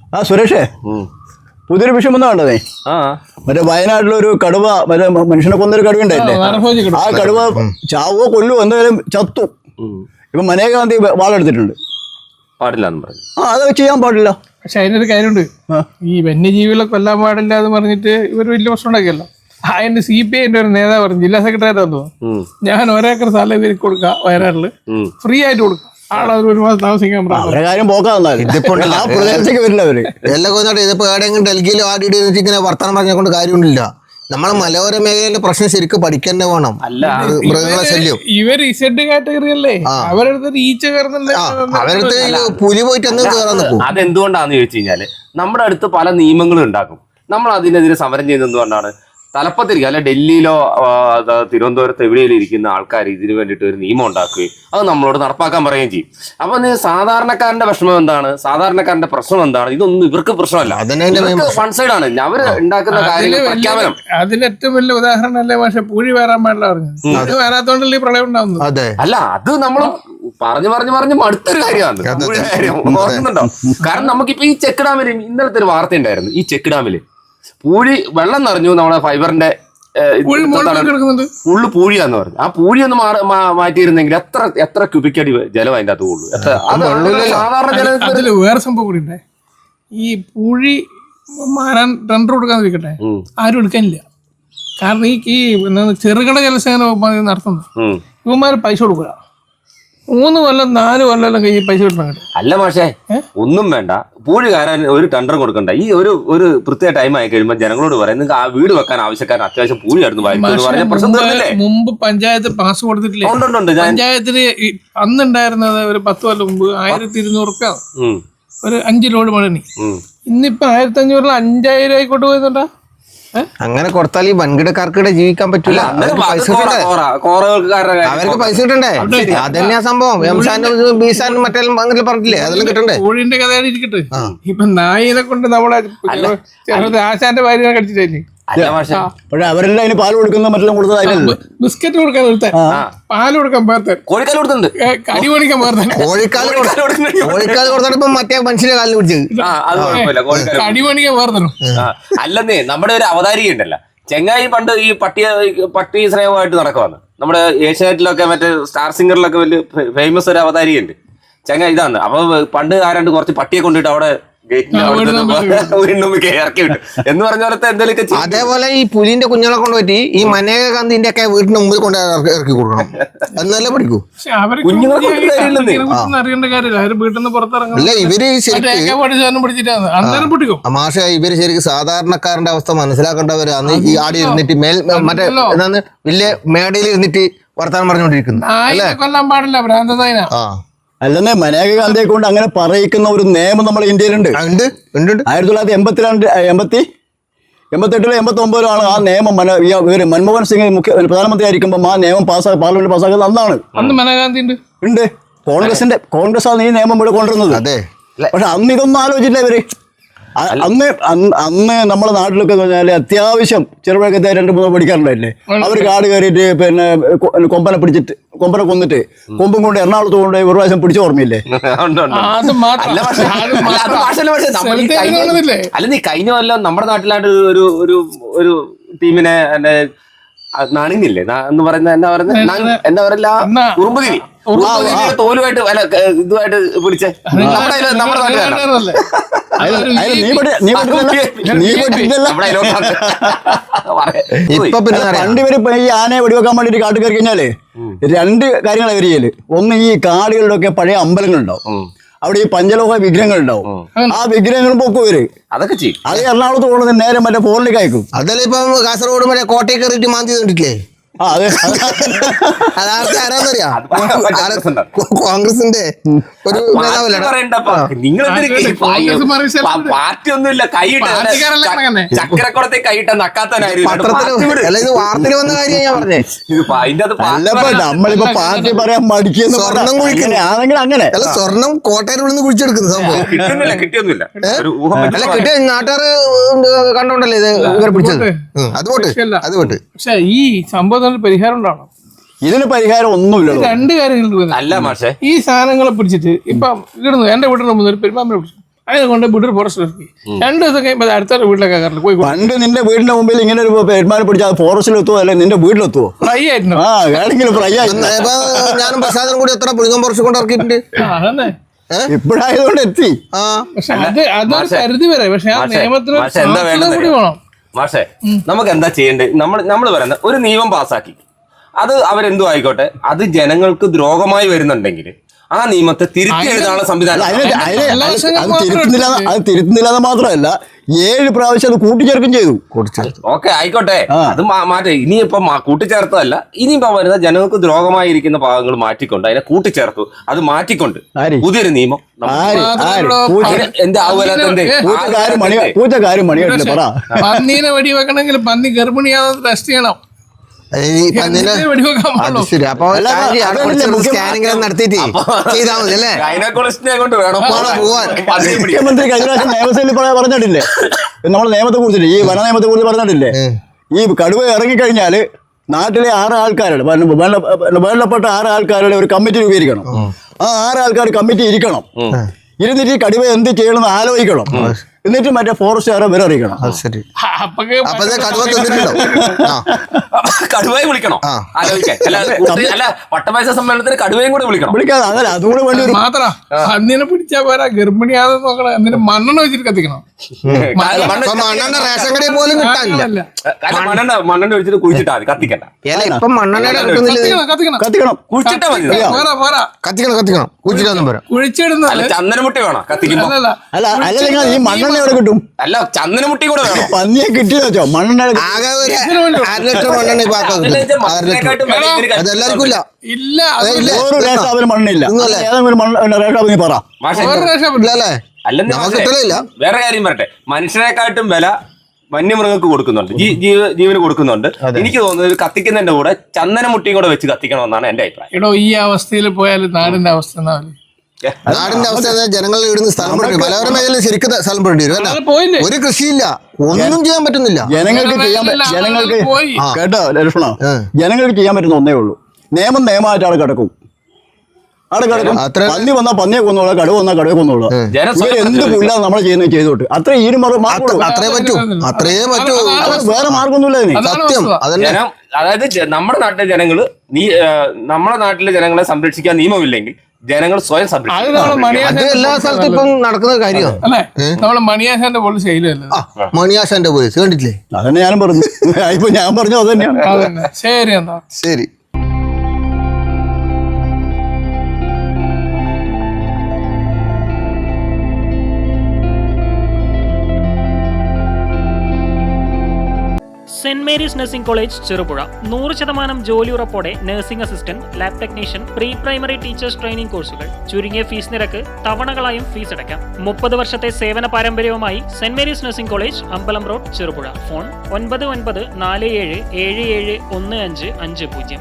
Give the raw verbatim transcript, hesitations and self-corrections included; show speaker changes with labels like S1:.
S1: ആ സുരേഷേ, പുതിയൊരു വിഷയം ഒന്നും കണ്ടതേ. മറ്റേ വയനാട്ടിലൊരു കടുവ, മറ്റേ മനുഷ്യനെ കൊന്നൊരു കടുവ ഉണ്ടായില്ലേ, ആ കടുവ ചാവോ കൊല്ലുവോ എന്തായാലും ചത്തു. ഇപ്പൊ മനേകാന്തി വാളെടുത്തിട്ടുണ്ട്.
S2: പാടില്ല
S1: ആ അത് ചെയ്യാൻ പാടില്ല.
S3: പക്ഷെ അതിനൊരു കാര്യമുണ്ട്, ഈ വന്യജീവികളെ കൊല്ലാൻ പാടില്ല എന്ന് പറഞ്ഞിട്ട് ഇവർ വലിയ പ്രശ്നം ഉണ്ടാക്കിയല്ലോ. അതിന്റെ സി പി ഐന്റെ ഒരു നേതാവ് പറഞ്ഞു, ജില്ലാ സെക്രട്ടറി തോന്നുന്നു, ഞാൻ ഒരേക്കർ സ്ഥലം ഇവർക്ക് കൊടുക്കാം വയനാട്ടില്, ഫ്രീ ആയിട്ട് കൊടുക്കാം, ആളവർ ഒരു മാസം താമസിക്കാൻ
S1: പറഞ്ഞു. കാര്യം പോക്കാന്നാലും വരില്ല അവര്
S4: എല്ലാം കൊന്നോട്ടെ. ഇതിപ്പോ എവിടെയെങ്കിലും ഡൽഹിയിലോ ആടിയിട്ട് ഇങ്ങനെ വർത്തമാനം പറഞ്ഞുകൊണ്ട് കാര്യമൊന്നുമില്ല. നമ്മളെ മലയോര മേഖലയിലെ പ്രശ്നം ശരിക്കും പഠിക്കന്നെ വേണം. മൃഗങ്ങളെ ശല്യം
S3: ഇവർ ഇസഡ് കാറ്റഗറി അല്ലേ, അവരടുത്ത് ഈച്ച കയറുന്നുണ്ട്,
S4: അവരടുത്ത് പുലി പോയിട്ട് എന്തും കയറാൻ നിൽക്കും.
S2: അതെന്തുകൊണ്ടാന്ന് ചോദിച്ചു കഴിഞ്ഞാല് നമ്മുടെ അടുത്ത് പല നിയമങ്ങളും ഉണ്ടാക്കും, നമ്മൾ അതിനെതിരെ സമരം ചെയ്യുന്നത് എന്തുകൊണ്ടാണ്? തലപ്പത്തിരിക്കുക അല്ലെ ഡൽഹിയിലോ തിരുവനന്തപുരത്ത് എവിടെയെങ്കിലും ഇരിക്കുന്ന ആൾക്കാർ ഇതിനു വേണ്ടിയിട്ട് ഒരു നിയമം ഉണ്ടാക്കുകയും അത് നമ്മളോട് നടപ്പാക്കാൻ പറയുകയും ചെയ്യും. അപ്പൊ സാധാരണക്കാരന്റെ വിഷമം എന്താണ്, സാധാരണക്കാരന്റെ പ്രശ്നം എന്താണ്? ഇതൊന്നും ഇവർക്ക് പ്രശ്നമല്ല, വൺ സൈഡ് ആണ് അവർ ഉണ്ടാക്കുന്ന കാര്യങ്ങൾ പ്രഖ്യാപനം.
S3: അതിന് ഏറ്റവും വലിയ ഉദാഹരണം അല്ലേ പക്ഷെ പൂഴി വരാൻ പാടില്ല പറഞ്ഞത്, വരാത്തോണ്ടല്ലേ ഈ പ്രളയം ഉണ്ടാവുന്നത്.
S2: അല്ല, അത് നമ്മൾ പറഞ്ഞു പറഞ്ഞു പറഞ്ഞ് മടുത്തൊരു കാര്യമാണ് കാര്യം, ഓർക്കുന്നുണ്ടോ? കാരണം നമുക്കിപ്പോ ഈ ചെക്ക് ഡാമില് ഇന്നലത്തെ ഒരു വാർത്ത ഉണ്ടായിരുന്നു, ഈ ചെക്ക് ഡാമില് പൂഴി വെള്ളം നിറഞ്ഞു, നമ്മുടെ ഫൈബറിന്റെ ഫുള്ള് പൂഴിയാന്ന് പറഞ്ഞു. ആ പൂഴി ഒന്ന് മാറ്റിയിരുന്നെങ്കിൽ എത്ര എത്ര ക്യൂബിക് അടി ജലം അതിന്റെ അകത്ത് കൊള്ളു. സാധാരണ
S3: ജലത്തിൽ വേറെ സംഭവം കൂടി ഉണ്ട്, ഈ പൂഴി മാറാൻ ടെൻഡർ കൊടുക്കാന്ന് വെക്കട്ടെ, ആരും എടുക്കാനില്ല. കാരണം ഈ ഈ ചെറുകിട ജലസേന വകുപ്പ് നടത്തുന്നത്, ഇവന്മാർ പൈസ കൊടുക്കുക, മൂന്ന് കൊല്ലം നാല് കൊല്ലം കഴിഞ്ഞ് പൈസ കിട്ടണം.
S2: അല്ല മാഷേ, ഒന്നും വേണ്ട, പൂഴി കയറാൻ ഒരു ടെൻഡർ കൊടുക്കണ്ട. ഈ ഒരു ഒരു പ്രത്യേക ടൈം ആയി കഴിയുമ്പോൾ ജനങ്ങളോട് പറയാം, നിങ്ങൾക്ക് ആ വീട് വെക്കാൻ ആവശ്യക്കാരൻ അത്യാവശ്യം പൂഴി ആയിരുന്നു പറഞ്ഞ പ്രശ്നം തീർന്നില്ലേ?
S3: മുമ്പ് പഞ്ചായത്ത് പാസ് കൊടുത്തിട്ടില്ലേ? പഞ്ചായത്തിന് അന്നുണ്ടായിരുന്നത് ഒരു പത്ത് കൊല്ലം മുമ്പ് ആയിരത്തി ഇരുന്നൂറ് റുപ്യ ഒരു അഞ്ച് ലോഡ് മണി, ഇന്നിപ്പോ ആയിരത്തി അഞ്ഞൂറിൽ അഞ്ചായിരം ആയിക്കോട്ട് പോയതുണ്ടാ.
S4: അങ്ങനെ കൊടുത്താൽ ഈ വൻകിടക്കാർക്കിടെ ജീവിക്കാൻ പറ്റൂല, പൈസ അവർക്ക് പൈസ കിട്ടണ്ടേ. അതന്നെയാ സംഭവം. എംസാനും ബീസാനും മറ്റെല്ലാം അങ്ങനെ പറഞ്ഞില്ലേ, അതെല്ലാം കിട്ടണ്ടേ.
S3: കോഴിന്റെ കഥയാണ് ഇരിക്കട്ടെ. ഇപ്പൊ നായിനെ കൊണ്ട് നമ്മളെ ആശാന്റെ ഭാര്യ കടിച്ചിട്ടല്ലേ,
S1: പക്ഷെ അവരെല്ലാം അതിന് പാല് കൊടുക്കുന്ന മറ്റെല്ലാം കൊടുത്തത്,
S3: ബിസ്ക്കറ്റ് കൊടുക്കാൻ നിർത്താൻ, പാല് കൊടുക്കാൻ പേർത്താൻ,
S2: കോഴിക്കാൽ കൊടുത്തിട്ടുണ്ട്,
S3: കടി മേടിക്കാൻ പേർത്താൻ,
S4: കോഴിക്കാല് കോഴിക്കാല് കൊടുത്തപ്പോ മറ്റേ മനുഷ്യന്റെ കാലിൽ പിടിച്ച്
S3: കടി മേടിക്കാൻ പേർത്തണം.
S2: അല്ലെന്നേ, നമ്മുടെ ഒരു അവതാരിക ഉണ്ടല്ലോ ചെങ്ങായി, പണ്ട് ഈ പട്ടിയ പട്ടി സ്നേഹമായിട്ട് നടക്കുവാണ്. നമ്മുടെ ഏഷ്യാനെറ്റിലൊക്കെ മറ്റേ സ്റ്റാർ സിംഗറിലൊക്കെ വലിയ ഫേമസ് ഒരു അവതാരിക ഉണ്ട് ചെങ്ങായി. ഇതാണ്. അപ്പൊ പണ്ട് ആരാണ്ട് കുറച്ച് പട്ടിയെ കൊണ്ടിട്ട് അവിടെ ഇറക്കി വിട്ടു എന്ന് പറഞ്ഞ പോലത്തെ എന്തെങ്കിലും.
S4: അതേപോലെ ഈ പുലിന്റെ കുഞ്ഞുങ്ങളെ കൊണ്ട് പറ്റി ഈ മനേകാന്തിന്റെ ഒക്കെ വീടിന്റെ മുമ്പിൽ കൊണ്ട് ഇറക്കി കൊടുക്കണം, എന്നല്ലേ പഠിക്കൂ. അല്ല ഇവര് മാഷ ഇവര് ശരിക്കും സാധാരണക്കാരന്റെ അവസ്ഥ മനസ്സിലാക്കേണ്ടവരാണ്. ഈ ആടി ഇരുന്നിട്ട് മേൽ മറ്റേ എന്താന്ന് വലിയ മേടയിൽ ഇരുന്നിട്ട് വർത്താനം പറഞ്ഞുകൊണ്ടിരിക്കുന്നു. ആ
S1: അല്ലെന്നേ, മനേകാന്തിയെ കൊണ്ട് അങ്ങനെ പറയിക്കുന്ന ഒരു നിയമം നമ്മുടെ ഇന്ത്യയിലുണ്ട്. ആയിരത്തി തൊള്ളായിരത്തി എൺപത്തിരണ്ട് എൺപത്തി എൺപത്തെട്ടിലോ എൺപത്തി ഒമ്പതിലാണ് ആ നിയമം. മൻമോഹൻ സിംഗ് മുഖ്യ പ്രധാനമന്ത്രി ആയിരിക്കുമ്പോൾ ആ നിയമം പാസ്സാക്കി പാർലമെന്റ് പാസ്സാക്കുന്നത് അന്നാണ്. ഉണ്ട്, കോൺഗ്രസിന്റെ കോൺഗ്രസ് ആണ് ഈ നിയമം ഇവിടെ കൊണ്ടുവരുന്നത്.
S4: അതെ,
S1: പക്ഷെ അന്ന് ഇതൊന്നും ആലോചിച്ചില്ല ഇവര്. അന്ന് അന്ന് നമ്മുടെ നാട്ടിലൊക്കെ എന്ന് പറഞ്ഞാൽ അത്യാവശ്യം ചെറുപഴക്കത്തെ രണ്ട് മൂന്ന് പഠിക്കാറുണ്ടായില്ലേ, അവർ കാട് കയറിയിട്ട് പിന്നെ കൊമ്പനെ പിടിച്ചിട്ട് കൊമ്പനെ കൊന്നിട്ട് കൊമ്പും കൊണ്ട് എറണാകുളത്ത് കൊണ്ട് ഒരു പ്രാവശ്യം പിടിച്ച ഓർമ്മയില്ലേ?
S2: അല്ല, നീ കഴിഞ്ഞ കൊല്ലം നമ്മുടെ നാട്ടിലായിട്ട് ഒരു ഒരു ഒരു ടീമിനെ നണിഞ്ഞില്ലേ എന്ന് പറയുന്ന എന്താ പറയുന്നത്, എന്താ പറയില്ല, ഉറുമ്പുതിരി തോലുമായിട്ട് അല്ല ഇതുമായിട്ട് പിടിച്ചേ നമ്മുടെ നമ്മുടെ നാട്ടുകാരല്ലേ.
S1: പണ്ടിവര് ഈ ആനയെ വെടിവെക്കാൻ വേണ്ടിട്ട് കാട്ടിൽ കയറി കഴിഞ്ഞാല് രണ്ട് കാര്യങ്ങളാണ് ഇവര് ചെയ്യല്. ഒന്ന്, ഈ കാടുകളിലൊക്കെ ഒക്കെ പഴയ അമ്പലങ്ങളുണ്ടാവും, അവിടെ ഈ പഞ്ചലോഹ വിഗ്രഹങ്ങൾ ഉണ്ടാവും, ആ വിഗ്രഹങ്ങൾ പൊക്കും ഇവര്.
S2: അതൊക്കെ ചെയ്യും.
S1: അത് എറണാകുളത്ത് പോകുന്നത് നേരെ മറ്റേ ഫോണിലേക്ക് അയക്കും.
S4: അതല്ല ഇപ്പൊ കാസർഗോഡ് മറ്റേ കോട്ടയിൽ കയറിയിട്ട് മാന്തി കണ്ടിട്ടില്ലേ? കോൺഗ്രസിന്റെ ഒരു
S2: പാർട്ടി ഒന്നുമില്ല, കൈയിട്ട ചക്കരക്കുളത്തെ കൈയിട്ട നക്കാത്തനായിരുന്നു.
S4: അല്ല, ഇത് വാർത്തയിൽ വന്ന കാര്യം ഞാൻ പറഞ്ഞേ.
S1: നമ്മളിപ്പോ പാർട്ടി പറയാൻ മടിക്കുന്ന
S4: സ്വർണം കുഴിക്കുന്ന
S1: അങ്ങനെ
S4: അല്ല, സ്വർണം കോട്ടയിൽ നിന്ന് കുഴിച്ചെടുക്കുന്ന സംഭവം
S2: കിട്ടുന്നില്ല, കിട്ടിയൊന്നുമില്ല.
S4: അല്ല, കിട്ടിയ നാട്ടുകാർ കണ്ടോണ്ടല്ലേ ഇത് ഇവരെ പിടിച്ചത്. അതുകൊണ്ട് അതുകൊണ്ട്
S3: പക്ഷെ ഈ സംഭവം പരിഹാരം ഉണ്ടാവണം.
S1: ഇതിന് പരിഹാരം ഒന്നുമില്ല.
S3: രണ്ട് കാര്യങ്ങൾ.
S2: അല്ല മാഷേ,
S3: ഈ സാധനങ്ങളെ പിടിച്ചിട്ട് ഇപ്പം ഇടുന്നു, എന്റെ വീട്ടിൽ മുമ്പ് ഒരു പെരുമാമ്മനെ പിടിച്ചു, അതിനെ കൊണ്ട് വീട്ടിൽ ഫോറസ്റ്റ് ഇറക്കി രണ്ടു ദിവസം കഴിയുമ്പോൾ അത് അടുത്ത വീട്ടിലൊക്കെ കയറില്ല പോയി
S1: പണ്ട് നിന്റെ വീടിന്റെ മുമ്പിൽ ഇങ്ങനെ ഒരു പെരുമാറി പിടിച്ചാൽ അത് ഫോറസ്റ്റിലെത്തുവോ അല്ലെ നിന്റെ വീട്ടിലെത്തുവോ?
S3: ഫ്രൈ ആയിരുന്നു.
S1: ആ വേണമെങ്കിലും ഫ്രൈ ആയി.
S4: ഇപ്പൊ ഞാനും പ്രസാദം കൂടി എത്ര പുളിങ്ങം പുറത്ത് കൊണ്ട് ഇറക്കിയിട്ടുണ്ട്.
S3: അതന്നെ
S1: ഇപ്പോഴായതുകൊണ്ട് എത്തി.
S4: ആ
S3: പക്ഷെ അത് അതൊരു പരിധി വരെ. പക്ഷെ ആ നിയമത്തിന്
S2: മാഷെ എന്താ
S3: സാക്ഷരത കൂടി വേണം.
S2: മാഷെ നമുക്ക് എന്താ ചെയ്യേണ്ടത്? നമ്മൾ നമ്മൾ പറയുന്നത് ഒരു നിയമം പാസ്സാക്കി, അത് അവരെന്തു ആയിക്കോട്ടെ, അത് ജനങ്ങൾക്ക് ദ്രോഹമായി വരുന്നുണ്ടെങ്കിൽ ആ നിയമത്തെ തിരുത്തി എഴുതാനുള്ള സംവിധാനം.
S1: അതിന് അതിന് അത് തിരുത്തുന്നില്ല അത് തിരുത്തുന്നില്ല എന്ന് മാത്രമല്ല ഏഴ് പ്രാവശ്യം അത് കൂട്ടിച്ചേർക്കും ചെയ്തു.
S2: ഓക്കെ ആയിക്കോട്ടെ, അത് മാറ്റേ. ഇനിയിപ്പോ കൂട്ടിച്ചേർത്തതല്ല, ഇനിയിപ്പോ വരുന്ന ജനങ്ങൾക്ക് ദ്രോഹമായിരിക്കുന്ന ഭാഗങ്ങൾ മാറ്റിക്കൊണ്ട് അതിനെ കൂട്ടിച്ചേർത്തു, അത് മാറ്റിക്കൊണ്ട് പുതിയൊരു നിയമം എന്താ
S1: പൂച്ചക്കാരും മണിയായിട്ടില്ല പറ.
S3: പന്നീനെ വെടി വെക്കണമെങ്കിൽ പന്നി ഗർഭിണിയാണെന്ന് ടെസ്റ്റ് ചെയ്യണം.
S4: വെടിവെക്കാൻ ശരി. അപ്പൊ സ്കാനിങ് നടത്തിയിട്ട് ചെയ്താൽ മതി അല്ലേ?
S2: കൊണ്ട് വേണം
S4: പോവാൻ.
S1: മുഖ്യമന്ത്രി കഴിഞ്ഞ പ്രാവശ്യം നിയമസഭയിൽ പറഞ്ഞിട്ടില്ലേ, നമ്മൾ നിയമത്തെ കുറിച്ചിട്ട് ഈ വന നിയമത്തെ കുറിച്ച് പറഞ്ഞിട്ടില്ലേ, ഈ കടുവ ഇറങ്ങിക്കഴിഞ്ഞാല് നാട്ടിലെ ആറ് ആൾക്കാരുടെ വേണ്ടപ്പെട്ട ആറ് ആൾക്കാരുടെ ഒരു കമ്മിറ്റി രൂപീകരിക്കണം. ആ ആറ് ആൾക്കാർ കമ്മിറ്റി ഇരിക്കണം. ഇരുന്നിട്ട് ഈ കടുവ എന്ത് ചെയ്യണമെന്ന് ആലോചിക്കണം. എന്നിട്ട് മറ്റേ ഫോറസ്റ്റുകാരെ വില അറിയിക്കണം.
S2: കടുവയെ വിളിക്കണോ ആലോചിക്കാൻ? അല്ല വട്ടമേശ സമ്മേളനത്തിന് കടുവയും കൂടെ വിളിക്കണം.
S1: വിളിക്കാതെ അതല്ല അതുകൂടെ വേണ്ടി വരും.
S3: മാത്ര അന്നിനെ പിടിച്ചാ പോരാ, ഗർഭിണിയാണെന്ന് നോക്കണം. എന്നിട്ട് മണ്ണെണ്ണ വെച്ചിട്ട് കത്തിക്കണം.
S4: മണ്ണെണ്ണ റേഷൻ കടയിൽ പോലും കിട്ടാനില്ല.
S2: മണ്ണെണ്ണ മണ്ണെണ്ണ ഒഴിച്ചിട്ട് കുഴിച്ചിട്ടാ മതി, കത്തിക്കണ്ട.
S4: ഇപ്പൊ മണ്ണെണ്ണ
S3: കത്തിക്കണം
S1: കത്തിക്കണം
S2: കുഴിച്ചിട്ടാ മതി.
S3: പോരാ പോരാ
S4: കത്തിക്കണം കത്തിക്കണം കുഴിച്ചിട്ടൊന്നും പോരാ.
S3: കുഴിച്ചിടുന്നത്
S2: ചന്ദനമുട്ടി വേണം കത്തിക്കുമ്പോ.
S1: അല്ല അല്ലെങ്കിൽ ഈ മണ്ണെണ്ണ എവിടെ കിട്ടും?
S2: അല്ല ചന്ദനമുട്ടി കൂടെ വേണം.
S1: പന്നിയെ കിട്ടിയെന്ന് വെച്ചോ മണ്ണെണ്ണ
S4: ആകെ ഒരു അര ലിറ്റർ മണ്ണെണ്ണ അതെല്ലാവർക്കും ഇല്ല.
S3: ഇല്ല
S1: ഒരു റേഷാവിന് മണ്ണില്ല. ഏതെങ്കിലും റേഷാവ് നീ പറ.
S4: അല്ലേ?
S2: അല്ലെന്ന് വേറെ കാര്യം പറയട്ടെ, മനുഷ്യനെക്കാട്ടും വില വന്യമൃഗങ്ങൾക്ക് കൊടുക്കുന്നുണ്ട്, ജീവന് കൊടുക്കുന്നുണ്ട്. എനിക്ക് തോന്നുന്നത് കത്തിക്കുന്നതിന്റെ കൂടെ ചന്ദനമുട്ടിയും കൂടെ വെച്ച് കത്തിക്കണമെന്നാണ് എന്റെ അഭിപ്രായം.
S3: എടോ ഈ അവസ്ഥയിൽ പോയാൽ നാടിന്റെ അവസ്ഥ
S4: നാടിന്റെ അവസ്ഥ ജനങ്ങൾ ഇടുന്ന സ്ഥലം മലയോര മേഖലയിൽ ശരിക്കും സ്ഥലം പെടേണ്ടി വരും. ഒരു കൃഷിയില്ല, ഒന്നും ചെയ്യാൻ പറ്റുന്നില്ല.
S1: ജനങ്ങൾക്ക് ചെയ്യാൻ ജനങ്ങൾക്ക് കേട്ടോ ലക്ഷ്മണ, ജനങ്ങൾക്ക് ചെയ്യാൻ പറ്റുന്ന ഒന്നേ ഉള്ളൂ, നിയമം നിയമമായിട്ട് അവിടെ കിടക്കും. അവിടെ കിടക്കും. പന്നി വന്നാൽ പന്നിയെ കൊന്നോളൂ, കടുവ വന്നാൽ കടുവ കൊന്നോളൂ. ഇവർ എന്ത് പുല്ല നമ്മൾ ചെയ്യുന്നത് ചെയ്തോട്ട് അത്രേ ഈ മാർഗം
S4: അത്രേ പറ്റൂ അത്രേ പറ്റൂ
S1: വേറെ മാർഗമൊന്നുമില്ല.
S4: സത്യം.
S2: അതായത് നമ്മുടെ നാട്ടിലെ ജനങ്ങള് നീ നമ്മുടെ നാട്ടിലെ ജനങ്ങളെ സംരക്ഷിക്കാൻ നിയമമില്ലെങ്കിൽ ജനങ്ങൾ സ്വയം സംരക്ഷിക്കും.
S4: എല്ലാ സ്ഥലത്തും ഇപ്പം നടക്കുന്ന കാര്യമാണ്.
S3: അല്ലേ? നമ്മള് മണിയാശാന്റെ പോലീസ് ശൈലല്ലേ?
S4: മണിയാശാന്റെ പോലീസ് കണ്ടിട്ടില്ലേ?
S1: അതന്നെ ഞാനും പറഞ്ഞു. ഇപ്പൊ ഞാൻ പറഞ്ഞു അത് തന്നെയാണ്.
S3: ശരി എന്താ
S4: ശരി.
S5: Saint Mary's nursing college Cherupuzha നൂറ് ശതമാനം ജോലി ഉറപ്പോടെ nursing assistant, lab technician, pre primary teachers training കോഴ്സുകൾ, ചുരുങ്ങിയ ഫീസ് നിരക്ക്, തവണകളായും ഫീസ് അടയ്ക്കാം. മുപ്പത് വർഷത്തെ സേവന പാരമ്പര്യവുമായി സെന്റ് മേരീസ് നഴ്സിംഗ് കോളേജ്, അമ്പലം റോഡ്, ചെറുപുഴ. ഫോൺ ഒൻപത് ഒൻപത് നാല് ഏഴ് ഏഴ് ഏഴ് ഒന്ന് അഞ്ച് അഞ്ച് പൂജ്യം.